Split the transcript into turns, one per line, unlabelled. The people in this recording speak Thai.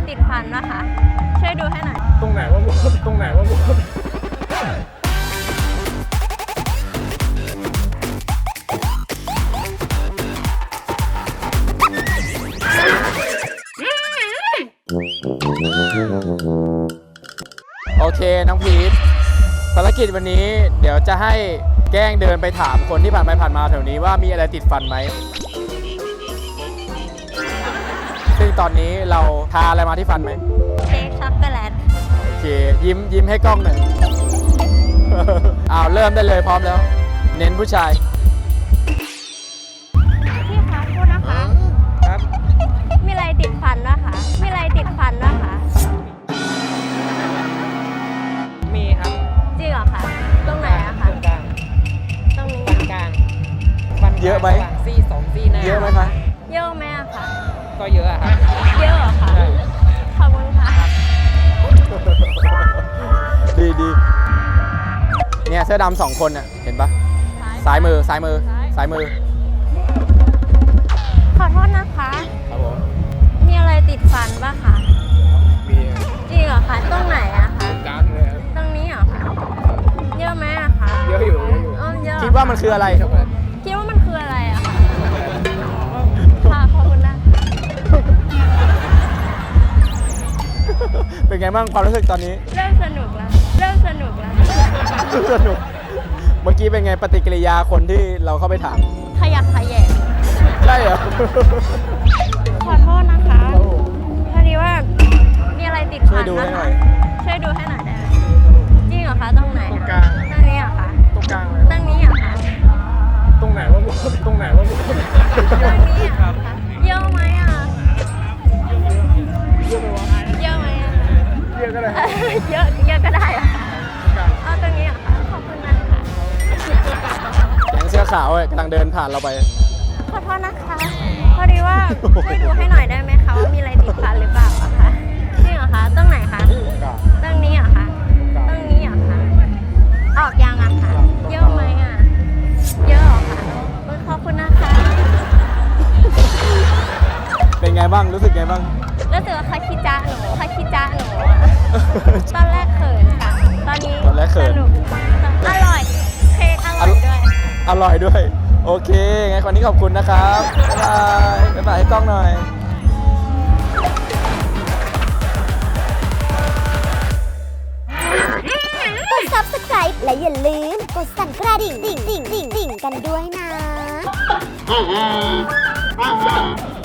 ติดฟันนะคะ ช่วยดูให้หน่อย
ตรงไหนว่ามุดตรงไหนว่ามุดโอเคน้องพีทภารกิจวันนี้เดี๋ยวจะให้แกล้งเดินไปถามคนที่ผ่านไปผ่านมาแถวนี้ว่ามีอะไรติดฟันไหมซึ่งตอนนี้เราทาอะไรมาที่ฟันไหม
เค้กช็อกโกแลต
โอเคยิ้มให้กล้องหน่อย เริ่มได้เลยพร้อมแล้ว เน้นผู้ชาย
พี่คะโทษนะคะ
ครับ
มีอะไรติดฟันวะคะมีอะไรติดฟันวะคะ
มีครับ
จริงเหรอคะตรงไหนอะคะ
ตรงกลาง
ตรงนี้
ฟันกลางฟันกลาง
เยอะไหม
ระว่างซี่สองซี่หน้า
เยอะไหมคะ
เยอะไหมอะคะ
ก็เยอะอะครับ
เยอะเหรอคะ
ใช่
ขอบคุณค่ะ
ดีเนี่ยเสื้อดำ2 คนน่ะเห็นปะซ้ายมือ
ขอโทษนะคะ
ครับผม
มีอะไรติดฟันปะคะ
มี
จริงเหรอคะตรงไหนอะคะ
กลางเลย
ตรงนี้เหรอคะเยอะไหมอะคะ
เยอะอยู่
เยอะ
คิดว่ามันคืออะไร
คิดว่ามันคืออะไรอะคะค่ะขอบคุณนะ
เป็นไงบ้างความรู้สึกตอนนี้
เริ่มสนุกแล้ว
สนุก เมื่อกี้เป็นไงปฏิกิริยาคนที่เราเข้าไปถาม
ขยักขยแยง
ใช่เหรอ
ขอโทษนะคะพอดีว่ามีอะไรติด
ช่ว
ฟั
ย
น
ดูให้
นะ
หน่
คะ
อย
ช่วยดูให้หน่อยได้ไหมจริงเหรอคะตรงไหน
ตรง
อะ
กลาง
ตรงนี้เหรอคะ
ตรงกลางเลย
ตรงนี้เหรอคะ
ตรงไหนว่ามุดตรงไหนว่ามุด
ตรงนี้เหรอคะเยอะไหมอะเยอะไหมอะ
เยอะก็ได้
เยอะก็ได้เหรอคะเอาตรงนี้เหรอคะขอบคุณนะคะ
แก๊งเสื้อขาวกำลังเดินผ่านเราไป
ขอโทษนะคะ พอดีว่าช่วยดูให้หน่อยได้ไหมคะว่ามีอะไรติดฟันหรือเปล่าอะคะจริงเหรอคะตรงไหนคะตรงนี้เหรอคะตรงนี้เหรอคะออกยังอะคะเยอะไหมอะเยอะเหรอคะขอบคุณนะคะ
เป็นไงบ้างรู้สึกไงบ้าง
รู้สึกว่าเขาขี้จ้าหนูอะตอนแรกเขินค่ะ ตอนนี้
ตอนแรกเขิน
สนุกอร่อยเค้กอร่อยด้วย
อร่อยด้วย โอเคไงวันนี้ขอบคุณนะครับบ๊ายบายให้กล้องหน่อย
กด subscribe และอย่าลืมกดสั่นกระดิ่งกันด้วยนะ